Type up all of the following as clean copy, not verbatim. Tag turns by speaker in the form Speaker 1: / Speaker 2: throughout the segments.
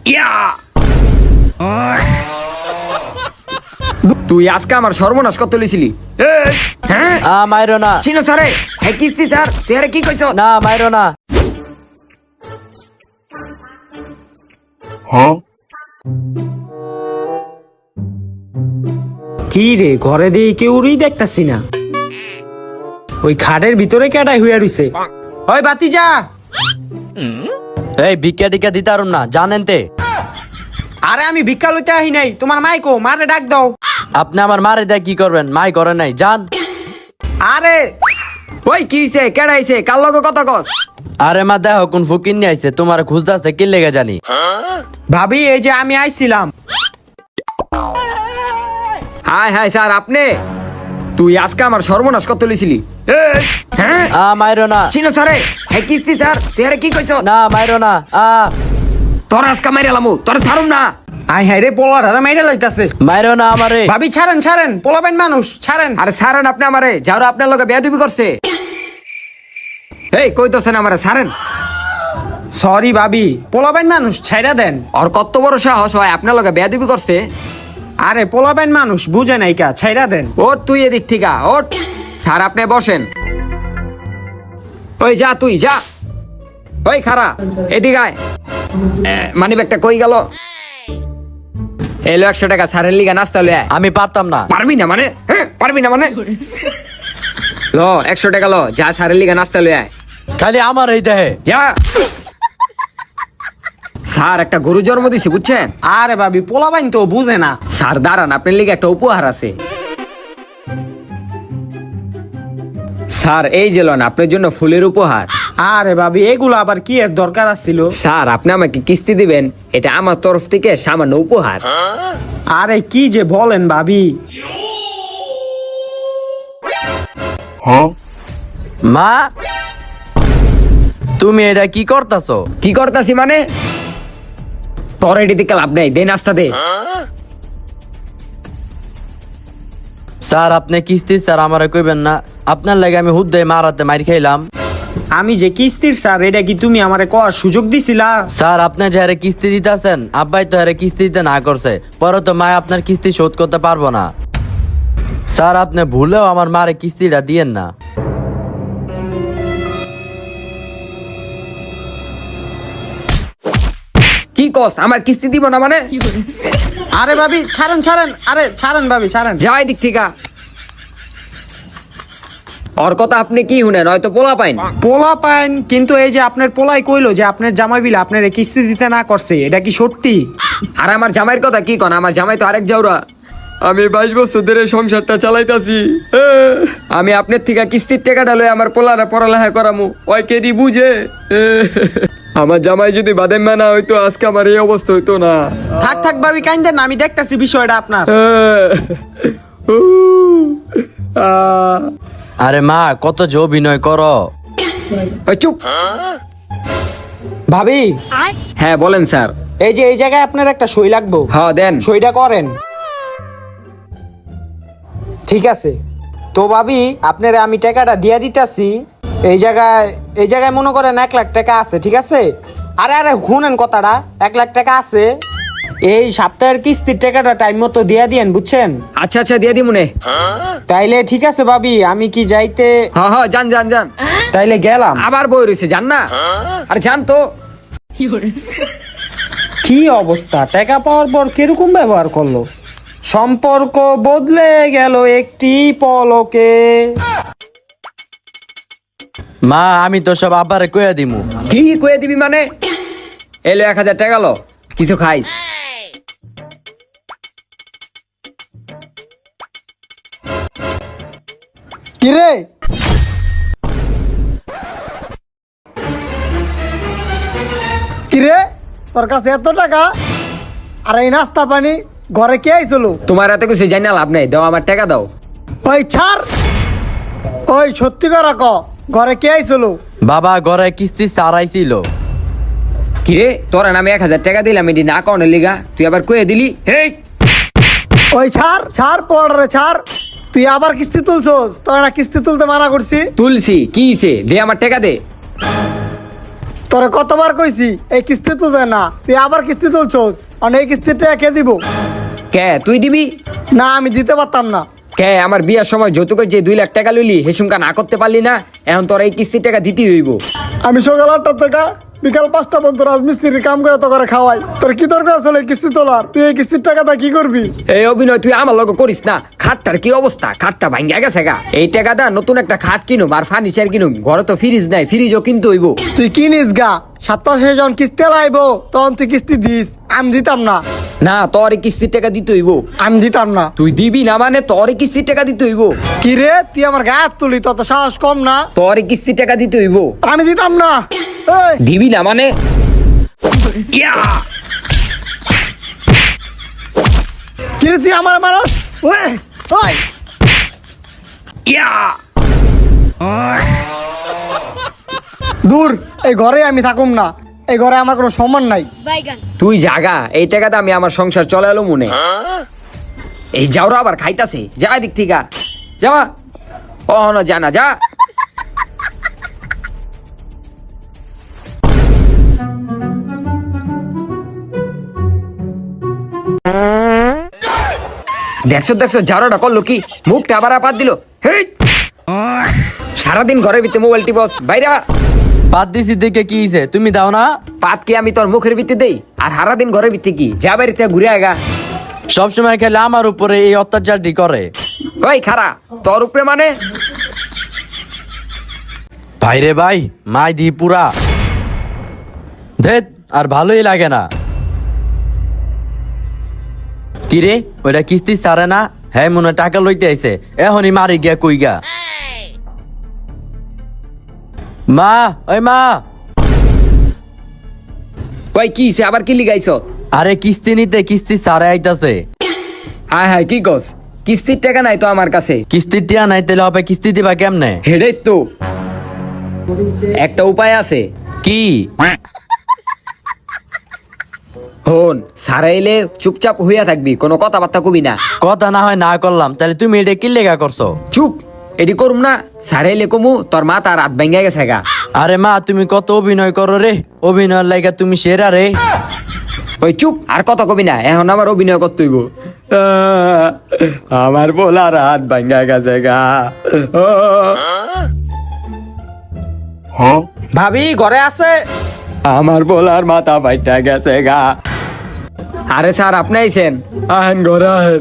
Speaker 1: ইয়া তুই আজকে আমার সর্বনাশ কত লিছিলি? হ্যাঁ
Speaker 2: মাইরো না।
Speaker 1: চিনো স্যারে, হ্যাঁ কিস্তি স্যার, তুই আরে কি কইছ?
Speaker 2: না মাইরো না।
Speaker 3: কি রে, ঘরে দিয়ে কেউই দেখতাছি না। ওই খাটের ভিতরে কেডাই হইয়া রইছে। ওই বাতি যা।
Speaker 2: এই ভিক্ষা টিকা দিতে পারুম না, জানেন তে।
Speaker 3: আরে আমি ভিক্ষা লইতে আহি নাই, তোমার মাইকো মারে ডাক দাও।
Speaker 2: আপনি আমার মারে দেয় কি করবেন? মাই করে নাই, জান।
Speaker 3: আরে
Speaker 1: ওই কি হইছে, কেডা আইছে, কার লগে কথা কস?
Speaker 2: আরে মা দেখো কোন ফকির নিয়ে আইছে, তোমার খুঁজতেছে কি লেগে জানি।
Speaker 3: ভাবি এই যে আমি আইছিলাম।
Speaker 1: হাই হাই স্যার, আপনি? তুই আজকে আমার সর্বনাশ কত লিছিলি? হ্যাঁ
Speaker 2: মাইরো না।
Speaker 1: চিনো স্যারে, হ্যাঁ কিস্তি স্যার, তুই আরে কি কইছ?
Speaker 2: না মাইরো না।
Speaker 1: তোর আজকে মাইরালামু, তোর ছাড়ুম না।
Speaker 3: আই হাই রে, পোলাটা মাইরা লইতাছে।
Speaker 2: মাইরো না আমারে।
Speaker 3: ভাবি ছাড়েন ছাড়েন, পোলাবেন মানুষ, ছাড়েন।
Speaker 1: আরে ছাড়েন আপনি আমারে, যারা আপনার লগে বেয়াদবি করছে। এই কইতাছেন আমারে ছাড়েন।
Speaker 3: সরি ভাবি, পোলাবেন মানুষ, ছাইরা দেন।
Speaker 1: আর কত বড় সাহস হয় আপনার লগে বেয়াদবি করছে?
Speaker 3: আরে পোলাবেন মানুষ, বুঝে নাই কা, ছাইরা দেন।
Speaker 1: ওট তুই এদিক থেকে ওট। স্যার আপনি বসেন। ওই যা, তুই যা। ওই খারা, এদিকে আয়। মানি ব্যাগটা কই গেল? এলো 100 টাকা, স্যারের লিগা নাস্তা লয়ে আয়।
Speaker 2: আমি পারতাম না।
Speaker 1: পারবি না মানে? হ্যাঁ পারবি না মানে? ল 100 টাকা ল, যা স্যারের লিগা নাস্তা লয়ে আয়।
Speaker 2: খালি আমার এই দেহে।
Speaker 1: যা। স্যার একটা গরু জন্ম দিছি বুঝছেন?
Speaker 3: আরে ভাবি, পোলাবেন তো বুঝে না।
Speaker 1: স্যার দাঁড়ান, আপনার লিগে একটা উপহার আছে। স্যার এই যে লন আপনার জন্য ফুলের উপহার।
Speaker 3: আরে ভাবি, এগুলো আবার কি এর দরকার আছিল?
Speaker 1: স্যার আপনি আমাকে কিস্তি দিবেন, এটা আমার তরফ থেকে সামান্য উপহার।
Speaker 3: আরে কি যে বলেন ভাবি।
Speaker 2: মা তুমি এটা কি করতাছো?
Speaker 1: কি করতাছি মানে? তোর এটি দিকে লাভ নেই, দে নাস্তা দে।
Speaker 2: স্যার আপনি কিস্তি স্যার আমারে কইবেন না। আপনার লাগে আমি হুদ্দে মারাতে মার খাইলাম।
Speaker 3: আমি যে কিস্তির স্যার, এটা কি তুমি আমারে কর সুযোগ দিছিলা?
Speaker 2: স্যার আপনি যে হারে কিস্তি দিতেছেন, আব্বাই তো হারে কিস্তি দিতে না করছে, পরে তো মা আপনার কিস্তি শোধ করতে পারবো না। স্যার আপনি ভুলেও আমার মারে কিস্তিটা দিয়েন না।
Speaker 1: কি কস, আমার কিস্তি দিব না মানে?
Speaker 3: আরে ভাবি ছাড়েন ছাড়েন, আরে ছাড়েন ভাবি ছাড়েন।
Speaker 1: যাই দিক থেকে। ওর কথা আপনি কি শুনেন, হয়তো পোলা পাইন।
Speaker 3: পোলা পাইন, কিন্তু এই যে আপনার পোলাই কইলো যে আপনার জামাই বিল আপনার কিস্তি দিতে না করছে, এটা কি সত্যি?
Speaker 1: আর আমার জামাইয়ের কথা কি কন, আমার জামাই তো আরেক জাউরা। আমি 22 বছর ধরে সংসারটা চালাইতাছি। আমি আপনার থেকে কিস্তির টাকাটা লই আমার পোলারে পড়ালেখা করামু, ওই কেডি বুঝে? আমার জামাই যদি বাদেম না হইতো আজকে আমার এই অবস্থা হইতো না।
Speaker 3: থাক থাক ভাবি কাইন্দেন না, আমি দেখতাছি বিষয়টা আপনার।
Speaker 2: আরে মা কত যে অভিনয় করো।
Speaker 1: ওই চুপ।
Speaker 3: ভাবি
Speaker 1: হ্যাঁ বলেন স্যার।
Speaker 3: এই যে এই জায়গায় আপনার একটা সই লাগবো।
Speaker 1: হ্যাঁ দেন।
Speaker 3: সইটা করেন। ঠিক আছে তো ভাবি, আপনারা আমি টাকাটা দিয়া দিতাছি। এই জায়গায় মনে করেন 1 লাখ টাকা আছে, ঠিক আছে? আরে আরে শুনেন কথাটা, 1 লাখ টাকা আছে। এই সপ্তাহের কিস্তির টাকাটা টাইম মতো দিয়া দিয়েন, বুঝছেন?
Speaker 1: আচ্ছা আচ্ছা দিয়ে দিমুনে।
Speaker 3: তাইলে ঠিক আছে ভাবি, আমি কি যাইতে?
Speaker 1: হ্যাঁ হ্যাঁ যান যান যান।
Speaker 3: তাইলে গেলাম।
Speaker 1: আবার বই রয়েছে, যান না। আরে যান তো।
Speaker 3: কি অবস্থা, টাকা পাওয়ার পর কিরকম ব্যবহার করলো? সম্পর্ক বদলে গেল একটি পলকে।
Speaker 2: মা আমি তো সব আব্বারে কইয়া দিমু।
Speaker 1: কি কয়ে দিবি মানে? এলো 1000 টাকা লো, কিছু খাইস।
Speaker 3: কিরে
Speaker 4: কিরে, তোর কাছে এত টাকা আর এই নাস্তা পানি, ঘরে কে আইছিল?
Speaker 1: তোমার এত কিছু জানি না লাভ নেই, দাও আমার টাকা দাও।
Speaker 4: ওই ছাড়, ওই সত্যি করে ক, ঘরে কে আইছিল?
Speaker 2: বাবা ঘরে কিস্তি সারাইছিল।
Speaker 1: কিরে তোরা নামে 1000 টাকা দিলাম, এটি না কনের লিগা তুই আবার কয়ে দিলি? হেই
Speaker 4: ওই ছাড় ছাড়, পড় রে ছাড়। তুই আবার কিস্তি তুলছস? তোর না কিস্তি তুলতে মানা করছি।
Speaker 1: তুলসি কি হইছে, দে আমার টাকা দে।
Speaker 4: তোরে কতবার কইছি এই কিস্তি তুলতে না, তুই আবার কিস্তি তুলছোস। আর এই কিস্তির টাকা কে দিব?
Speaker 1: কে তুই দিবি?
Speaker 4: না, আমি দিতে পারতাম না।
Speaker 1: কে আমার বিয়ার সময় যৌতুকের যে 2 লাখ টাকা লইলি হেসুমকা না করতে পারলি না, এখন তোর এই কিস্তির টাকা দিতেই হইব।
Speaker 4: আমি সকাল 8টা থেকে বিকাল 5টা পর্যন্ত রাজমিস্ত্রির কাম করে তো করে খাওয়াই। তোর কি দরকার আসলে এই কিস্তি তোলার? তুই এই কিস্তির টাকাটা কি করবি?
Speaker 1: এই অভিনয় তুই আমার লগে করিস না। খাটটার কি অবস্থা, খাটটা ভাঙ্গা গেছে গা। এই টাকা দা নতুন একটা খাট কিনুম আর ফার্নিচার কিনুম। ঘরে তো ফ্রিজ নাই, ফ্রিজও কিনতে হইব।
Speaker 4: তুই কিনিস গা, সপ্তাহ শেষে যখন কিস্তি লাইব তখন তুই কিস্তি দিস। আমি দিতাম না।
Speaker 1: না, তোর এই কিস্তির টাকা দিতে হইব।
Speaker 4: আমি দিতাম না।
Speaker 1: তুই দিবি না মানে তোর এই কিস্তির টাকা দিতে হইব।
Speaker 4: কি রে, তুই আমার গায়ে হাত তুলি? তত সাহস কম না?
Speaker 1: তোর এই কিস্তির টাকা দিতে হইব।
Speaker 4: আমি দিতাম না। এই,
Speaker 1: দিবি না মানে ইয়া!
Speaker 4: কি রে তুই আমার মারস? ওই ওই
Speaker 1: ইয়া!
Speaker 4: দূর, এই ঘরে আমি থাকুম না। এই ঘরে আমার কোনো সম্মান নাই।
Speaker 1: তুই জাগা, এই টাকাটা আমি আমার সংসার চলালো মনে। এই যাওরা আবার খাইতাছে, যা দিক থেকে যাওয়া। ও না, জানা যা। দেখছো দেখছো জারোটা করলো কি, মুখটা আবার আপাত দিল। হেই! সারাদিন ঘরের ভিতরে মোবাইল টিপস, বাইরা।
Speaker 2: বাদ দিছি দেখে কি হইছে? তুমি দাও না?
Speaker 1: পাত কি আমি তোর মুখের ভিতরে দেই? আর সারাদিন ঘরের ভিতরে কি যা বাড়িতে ঘুরে আগা।
Speaker 2: সবসময় খেলে আমার উপরে এই অত্যাচারটি করে।
Speaker 1: ওই খারা, তোর উপরে মানে?
Speaker 2: ভাই রে ভাই, মাই দি পুরা ধেত, আর ভালোই লাগে না। কিরে, ওইটা কিস্তি ছাড়ে না? হ্যাঁ, মনে হয় টাকা লইতে আইছে। এখনই মারি গিয়া কই গা। মা, ওই মা।
Speaker 1: ওই কি হইছে, আবার কি লিগাইছ?
Speaker 2: আরে কিস্তি নিতে কিস্তি ছাড়ে আইতাছে।
Speaker 1: হায় হায়, কি কস? কিস্তির টাকা নাই তো আমার কাছে।
Speaker 2: কিস্তির টিয়া নাই, তাহলে হবে কিস্তি দিবা কেমনে?
Speaker 1: হেডে তো একটা উপায় আছে।
Speaker 2: কি?
Speaker 1: হন, সারাইলে চুপচাপ হইয়া থাকবি, কোনো কথাবার্তা কবি না।
Speaker 2: কথা না হয় না করলাম, তাহলে তুমি এটা কি লেগা করছো?
Speaker 1: চুপ, এডি করুম না। সারাইলে কমু তোর মা তার রাত ভেঙে গেছে গা।
Speaker 2: আরে মা, তুমি কত অভিনয় করো রে। অভিনয়ের লাইগা তুমি সেরা রে।
Speaker 1: ওই চুপ, আর কত কবি না। এখন আমার অভিনয় করতে হইব। আমার বলা রাত ভেঙে গেছে গা।
Speaker 3: ভাবি ঘরে আছে?
Speaker 1: আমার বলার মাথা ফাইটা গেছে গা। আরে স্যার, আপনি আইছেন? আহেন ঘরে আহেন।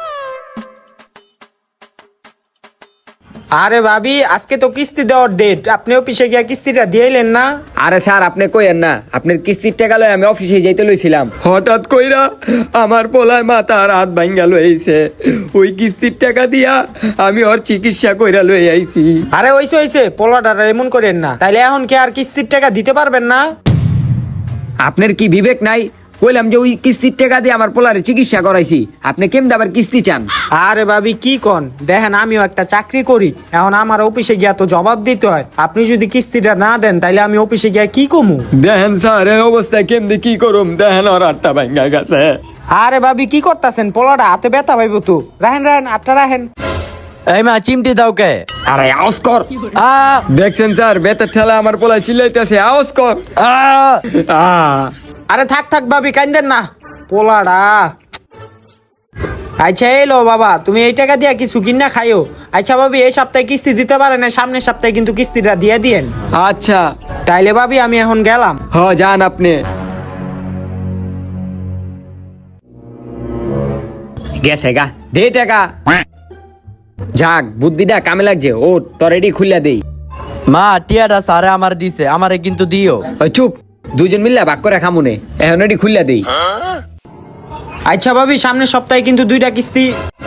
Speaker 3: আরে ভাবি, আজকে তো কিস্তি দেওয়ার ডেট, আপনি অফিসে গিয়া কিস্তিটা দিয়েলেন না?
Speaker 1: আরে স্যার, আপনি কইেন না, আপনার কিস্তির টাকা লই আমি অফিসে যাইতে লইছিলাম। হঠাৎ কইরা আমার পোলায় মাথা রাত ভাঙ্গা লইছে। ওই কিস্তির টাকা দিয়া আমি ওর চিকিৎসা কইরা লই আইছি।
Speaker 3: আরে হইছে পোলাটা এমন করেন না। তাইলে এখন কি আর কিস্তির টাকা দিতে পারবেন না?
Speaker 1: আপনার কি বিবেক নাই? কইলাম যে ওই কিস্তির টাকা দিয়ে আমার পোলারে চিকিৎসা করাইছি, আপনি কেমন আবার কিস্তি চান?
Speaker 3: আরে ভাবি কি কন, দেখেন আমিও একটা চাকরি করি, এখন আমার অফিসে গিয়া তো জবাব দিতে হয়। আপনি যদি কিস্তিটা না দেন তাইলে আমি অফিসে গিয়া কি কমু?
Speaker 1: দেখেন স্যার, এই অবস্থায় কেমনি কি করুম? দেখেন ওর আটটা ভাঙ্গা গেছে।
Speaker 3: আরে ভাবি কি করতেছেন? পোলাটা হাতে ব্যথা পাইব তো। রাহেন আটটা রাহেন।
Speaker 2: এই মা, চিমটি দাও কে?
Speaker 1: আরে আওয়াজ কর।
Speaker 2: আ
Speaker 1: দেখছেন স্যার, বেতের ঠেলা আমার পোলায় চিল্লাইতেছে, আওয়াজ কর।
Speaker 3: আরে থাক ভাবি, কান্দেন না। পোলাটা আচ্ছা এলো বাবা, তুমি এই টাকা দিয়া কিছু কিনা খাইও। আচ্ছা ভাবি, এই সপ্তাহে কিস্তি দিতে পারে না, সামনের সপ্তাহে কিন্তু কিস্তিটা দিয়ে দিয়েন।
Speaker 1: আচ্ছা
Speaker 3: তাইলে ভাবি আমি এখন গেলাম।
Speaker 1: হ, যান আপনি। গেছে গা, দে টাকা। যাক, বুদ্ধিটা কামে লাগছে। ও তোর এডি খুললা দেই।
Speaker 2: মা, টিয়াটা সারে আমার দিছে, আমারে কিন্তু দিও।
Speaker 1: ওই চুপ, দুজন মিললে ভাগ করে খামুনে। এখন এডি খুললা দেই।
Speaker 3: আচ্ছা ভাবি, সামনের সপ্তাহে কিন্তু 2টা কিস্তি।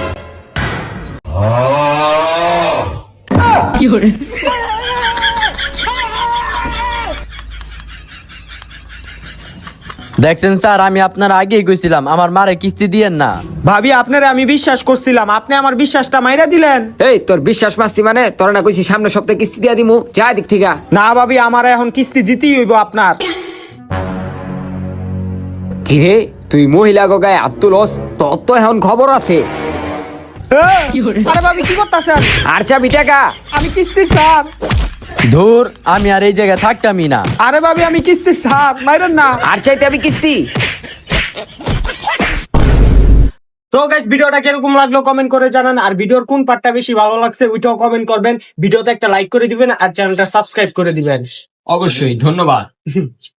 Speaker 2: দেখছেন স্যার, আমি আপনার আগেই কইছিলাম আমার মারে কিস্তি দিয়েন না।
Speaker 3: ভাবি আপনারে আমি বিশ্বাস করছিলাম, আপনি আমার বিশ্বাসটা মাইরা দিলেন।
Speaker 1: এই তোর বিশ্বাস মাস্তি মানে? তোর না কইছি সামনের সপ্তাহে কিস্তি দিয়া দিমু, যা দিক থেকে।
Speaker 3: না ভাবি, আমার এখন কিস্তি দিতেই হইব আপনার।
Speaker 1: কিরে, তুই মহিলা গায়ে আত্মলস? তোর তো এখন খবর আছে।
Speaker 3: আরে ভাবি কি করতেছেন?
Speaker 1: আর চাবি টাকা।
Speaker 3: আমি কিস্তির স্যার।
Speaker 2: ধুর, আমি আর এই জায়গায় থাকতামই না।
Speaker 3: আরে ভাবি আমি কিস্তি স্যার মাইরেন না।
Speaker 1: আর চাইতে আমি কিস্তি।
Speaker 3: তো গাইস ভিডিওটা কিরকম লাগলো কমেন্ট করে জানান, আর ভিডিওর কোন পার্টটা বেশি ভালো লাগছে ওইটাও কমেন্ট করবেন। ভিডিওতে একটা লাইক করে দিবেন আর চ্যানেলটা সাবস্ক্রাইব করে দিবেন।
Speaker 1: অবশ্যই, ধন্যবাদ।